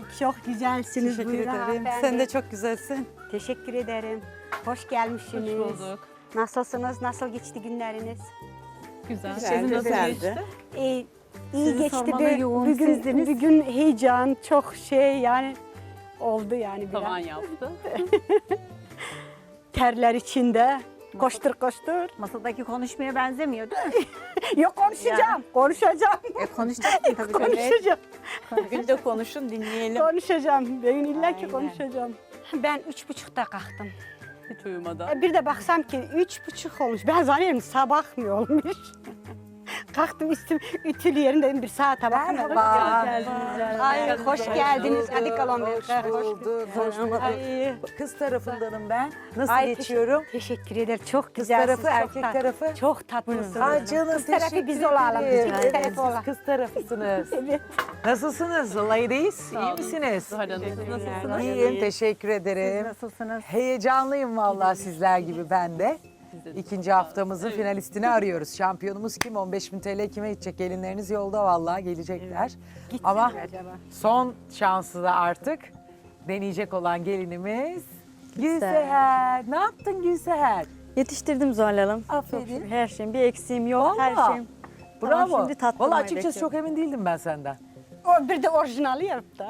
çok güzelsiniz. Teşekkür Buyurun ederim. hanımefendi. Sen de çok güzelsin. Teşekkür ederim. Hoş gelmişsiniz. Hoş bulduk. Nasılsınız? Nasıl geçti günleriniz? Güzel. Güzel, Sizin nasıl güzeldi. geçti? İyi Sizi geçti. sormalı, yoğun Bugün, sizdiniz. bugün heyecan çok yani oldu yani biraz. Tavan yaptı. Terler içinde. Koştur koştur. Masadaki konuşmaya benzemiyor değil mi? Yok konuşacağım. Konuşacağım. Konuşacaksın tabii. Konuşacağım. Bugün de konuşun dinleyelim. Konuşacağım. Ben illa ki Aynen. konuşacağım. Ben 3.30'da kalktım. Hiç uyumadan. Bir de baksam ki 3.30 olmuş. Ben zannediyorum sabah mı olmuş? Kalktım üstüm ütülü yerinde dedim bir saate bakayım. Merhaba. Ay hoş geldiniz. Hadi kalın. Hoş bulduk. Hoş bulduk. Ay, Kız tarafındanım ben. Nasıl ay, geçiyorum? Teşekkür ederim. Çok Kız güzelsiniz. tarafı, çok erkek tarafı? Çok tatlısınız. Ay canım Kız tarafı teşekkür biz olalım. ederim. Biz kız tarafı olalım. Kız tarafısınız. Evet. Nasılsınız ladies? Sağ İyi olun. misiniz? Zuhal Hanım, siz nasılsınız? İyiyim, teşekkür ederim. Nasılsınız? Heyecanlıyım vallahi sizler gibi ben de. İkinci haftamızın finalistini arıyoruz. Şampiyonumuz kim? 15.000 TL kime gidecek? Gelinleriniz yolda vallahi gelecekler. Ama acaba? son şansı da artık deneyecek olan gelinimiz Gülseher. Ne yaptın Gülseher? Yetiştirdim Zuhal Hanım. Aferin. Çok, her şeyim bir eksiğim yok. Her Vallahi. şeyim. Bravo. Tamam, şimdi tattırmayı Vallahi açıkçası bekliyorum. çok emin değildim ben senden. O bir de orijinali yaptı.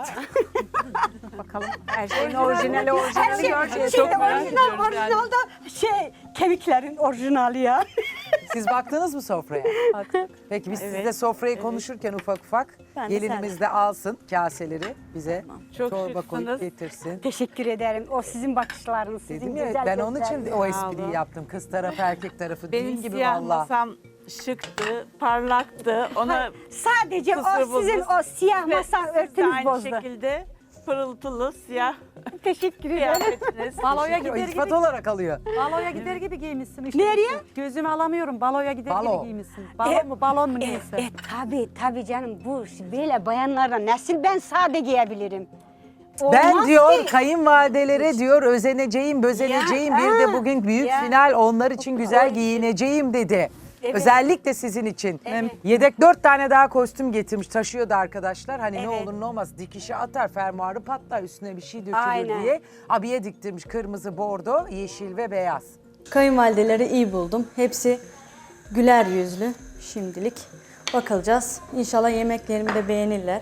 Bakalım her şeyin orijinali orijinali göreceğiz. Şimdi Çok merak orijinal, ediyoruz orijinalda kemiklerin orijinali ya. Siz baktınız mı sofraya? Peki biz sizle sofrayı konuşurken ufak ufak Ben de gelinimiz de alsın kaseleri bize Çok çorba koyup şıksınız. getirsin. Teşekkür ederim. O sizin bakışlarınız, sizin Dedim ya güzel ben onun için gözleriniz. o espriyi yaptım. Kız tarafı erkek tarafı Benim değil gibi siyah valla. masam şıktı, parlaktı. Ona Sadece kusur o sizin bozdu. o siyah Ve masa siz de örtünüz aynı bozdu. şekilde pırıltılı siyah Teşekkür ederim. kıyafetiniz. Baloya O gider iltifat gibi, olarak alıyor. baloya gider gibi giymişsin işte. Nereye? Gözümü alamıyorum. Baloya gider Balo. gibi giymişsin. Balon mu balon mu neyse. Tabii canım bu böyle bayanlardan nasıl ben sade giyebilirim? Ben Olmaz diyor ki. kayınvalidelere diyor özeneceğim, bözeneceğim. Ya, Bir de ha, bugün büyük ya. final onlar için güzel Oy. giyineceğim dedi. Evet. Özellikle sizin için. Evet. Yedek 4 tane daha kostüm getirmiş taşıyordu arkadaşlar. Hani ne Evet. olur ne olmaz dikişi atar fermuarı patlar üstüne bir şey dökülür Aynen. diye. Abiye diktirmiş kırmızı, bordo, yeşil ve beyaz. Kayınvalideleri iyi buldum. Hepsi güler yüzlü şimdilik. Bakılacağız. İnşallah yemeklerimi de beğenirler.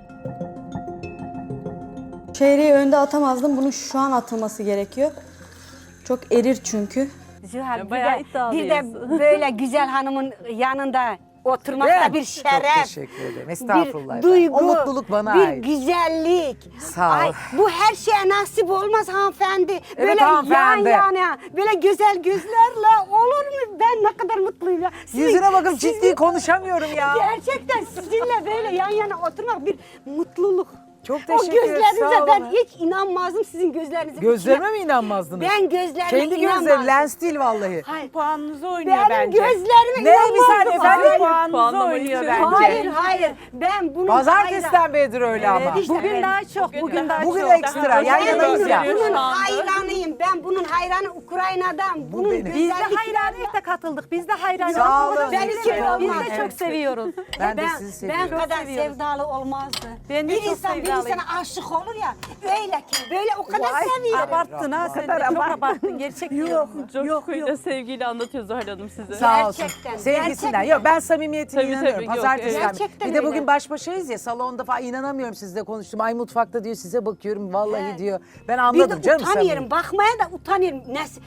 Çeyreği önde atamazdım. Bunun şu an atılması gerekiyor. Çok erir çünkü. Zühal, Ya, bayağı bir de iddialıyız. böyle güzel hanımın yanında oturmak Değil da mi? bir Çok şeref. teşekkür ederim. Estağfurullah. Bir efendim. duygu, O mutluluk bana bir ait. güzellik. Sağ ol. Ay, bu her şeye nasip olmaz hanımefendi. Böyle hanımefendi. yan yana, böyle güzel gözlerle olur mu? Ben ne kadar mutluyum ya. Yüzüne bakıp ciddi konuşamıyorum ya. Gerçekten sizinle böyle yan yana oturmak bir mutluluk. Çok O teşekkür ederim. gözlerinize Sağ ben olun. hiç inanmazdım sizin gözlerinize. Gözlerime mi inanmazdınız? Ben gözlerime Kendi inanmazdım. gözleri lens değil vallahi. Hayır. Puanınızı oynuyor Benim bence. gözlerime Ne? Bir saniye inanmazdım. efendim. Hayır. Puanınızı Puanlama oynuyor için. bence. Hayır. Ben bunun Pazartesiden beridir öyle ama. işte, Bugün evet. daha çok, bugün daha Bugün çok. ekstra. Yan Ben yanayız ya. bunun Şu anda. hayranıyım. Ben bunun hayranı Ukrayna'dan. Bunun benim. Biz de güzelliklerine- hayranıyız da katıldık. Biz de hayranıyız. Sağ olun. Ben Biz iki de olmaz. çok seviyoruz. Ben de sizi seviyorum. Ben kadar seviyoruz. sevdalı olmazdı. Ben de bir çok insan bir sevdalıyım. insana aşık olur ya. Öyle ki böyle o kadar seviyorum. Abarttın ha sen de çok abarttın. Gerçek yok. Coşkuyla sevgiyle anlatıyor Zuhal Hanım size. Sağ olsun. Gerçekten, Sevgisinden. gerçekten. Yok ben samimiyetine Tabii, inanıyorum. tabii, yok, Pazartesiden. evet. Gerçekten Bir de öyle. bugün baş başayız ya salonda falan inanamıyorum sizle konuştum. Ay mutfakta diyor size bakıyorum vallahi Evet. diyor. Ben Bir de anladım canım utanıyorum. samimi. Bakmaya da utanıyorum.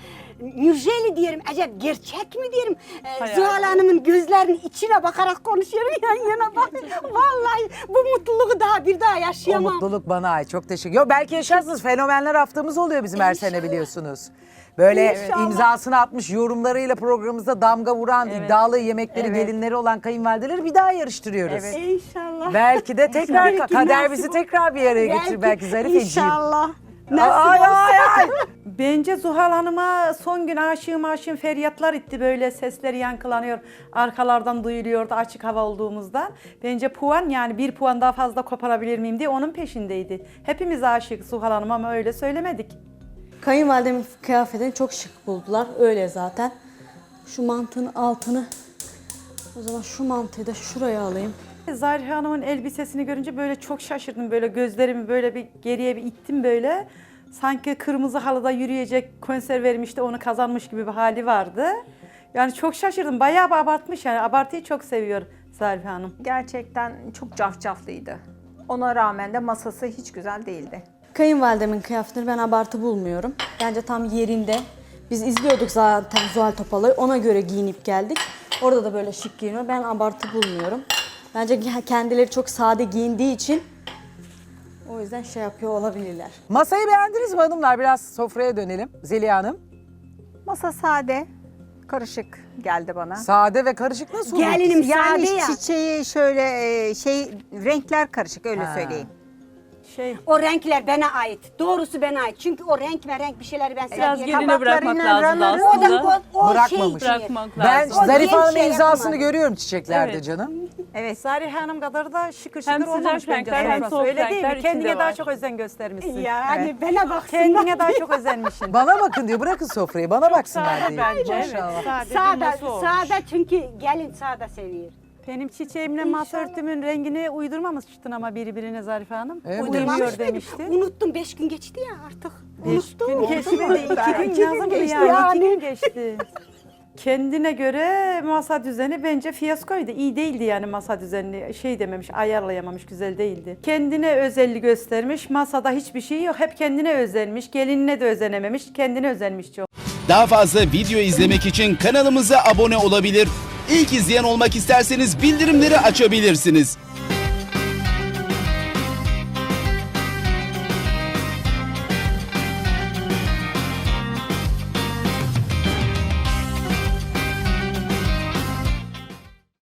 Nurjeli diyelim. Acaba gerçek mi diyelim? Hayal. Zuhal Hanım'ın gözlerinin içine bakarak konuşuyorum yan yana bak. Vallahi bu mutluluğu bir daha O yaşayamam. mutluluk bana ait. Çok teşekkür. Yok belki yaşarsınız. Fenomenler haftamız oluyor bizim her sene biliyorsunuz. Böyle İnşallah. imzasını atmış yorumlarıyla programımızda damga vuran iddialı yemekleri gelinleri olan kayınvalideleri bir daha yarıştırıyoruz. İnşallah. Belki de tekrar Belki kader nasip bizi olur. tekrar bir araya getirir belki Zarifeciğim. İnşallah. Ay Nasip olsa. ay ay. Bence Zuhal Hanım'a son gün aşığım feryatlar itti, böyle sesleri yankılanıyor. Arkalardan duyuluyordu açık hava olduğumuzda. Bence puan, yani bir puan daha fazla koparabilir miyim diye onun peşindeydi. Hepimiz aşık Zuhal Hanım ama öyle söylemedik. Kayınvalidemin kıyafetini çok şık buldular. Öyle zaten. Şu mantının altını, o zaman şu mantıyı da şuraya alayım. Zarife Hanım'ın elbisesini görünce böyle çok şaşırdım. Böyle gözlerimi böyle bir geriye bir ittim böyle. Sanki kırmızı halıda yürüyecek konser vermiş de onu kazanmış gibi bir hali vardı. Yani çok şaşırdım. Bayağı bir abartmış yani. Abartıyı çok seviyor Zarife Hanım. Gerçekten çok cafcaflıydı. Ona rağmen de masası hiç güzel değildi. Kayınvalidemin kıyafetini ben abartı bulmuyorum. Bence tam yerinde. Biz izliyorduk zaten Zuhal Topal'ı. Ona göre giyinip geldik. Orada da böyle şık giyiniyor. Ben abartı bulmuyorum. Bence kendileri çok sade giyindiği için o yüzden şey yapıyor olabilirler. Masayı beğendiniz mi hanımlar? Biraz sofraya dönelim. Zeliha Hanım. Masa sade, karışık geldi bana. Sade ve karışık nasıl olur? Gelinim Yani sade ya. çiçeği şöyle renkler karışık öyle söyleyeyim. O renkler bana ait. Doğrusu bana ait. Çünkü o renk ve renk bir şeyleri ben Biraz seviyorum. geline bırakmak lazım O aslında. da o Bırakmamış. şey. Bırakmak Ben lazım. Zarife genç Hanım'ın şey imzasını yapamadı. görüyorum çiçeklerde Evet. canım. Evet. Zarife Hanım kadar da şıkır Hem şıkır sıcak olmamış bence renkler, hem sofrası. soğuk Öyle değil renkler mi? içinde Kendine daha var. çok özen göstermişsin. Yani bana baksın. Kendine daha çok özenmişsin. Bana bakın diyor, bırakın sofrayı, bana baksınlar Sade diyor. bence. Maşallah. Sade, Sade, düğmesi olmuş. sade çünkü gelin sade seviyor. Benim çiçeğimle masa örtümün rengini uydurmamıştın ama birbirine Zarife Hanım. Evet. Uymuyor Uydurmamış mıydı? demişti. Unuttum. 5 gün geçti ya artık. 5 gün Unuttum. geçmedi. 2 gün yazın geçti yani. yani. 2 gün geçti. Kendine göre masa düzeni bence fiyaskoydu. İyi değildi yani masa düzeni. Şey dememiş, ayarlayamamış, güzel değildi. Kendine özelliği göstermiş. Masada hiçbir şey yok. Hep kendine özenmiş. Gelinine de özenememiş. Kendine özenmiş çok. Daha fazla video izlemek için kanalımıza abone olabilir. İlk izleyen olmak isterseniz bildirimleri açabilirsiniz.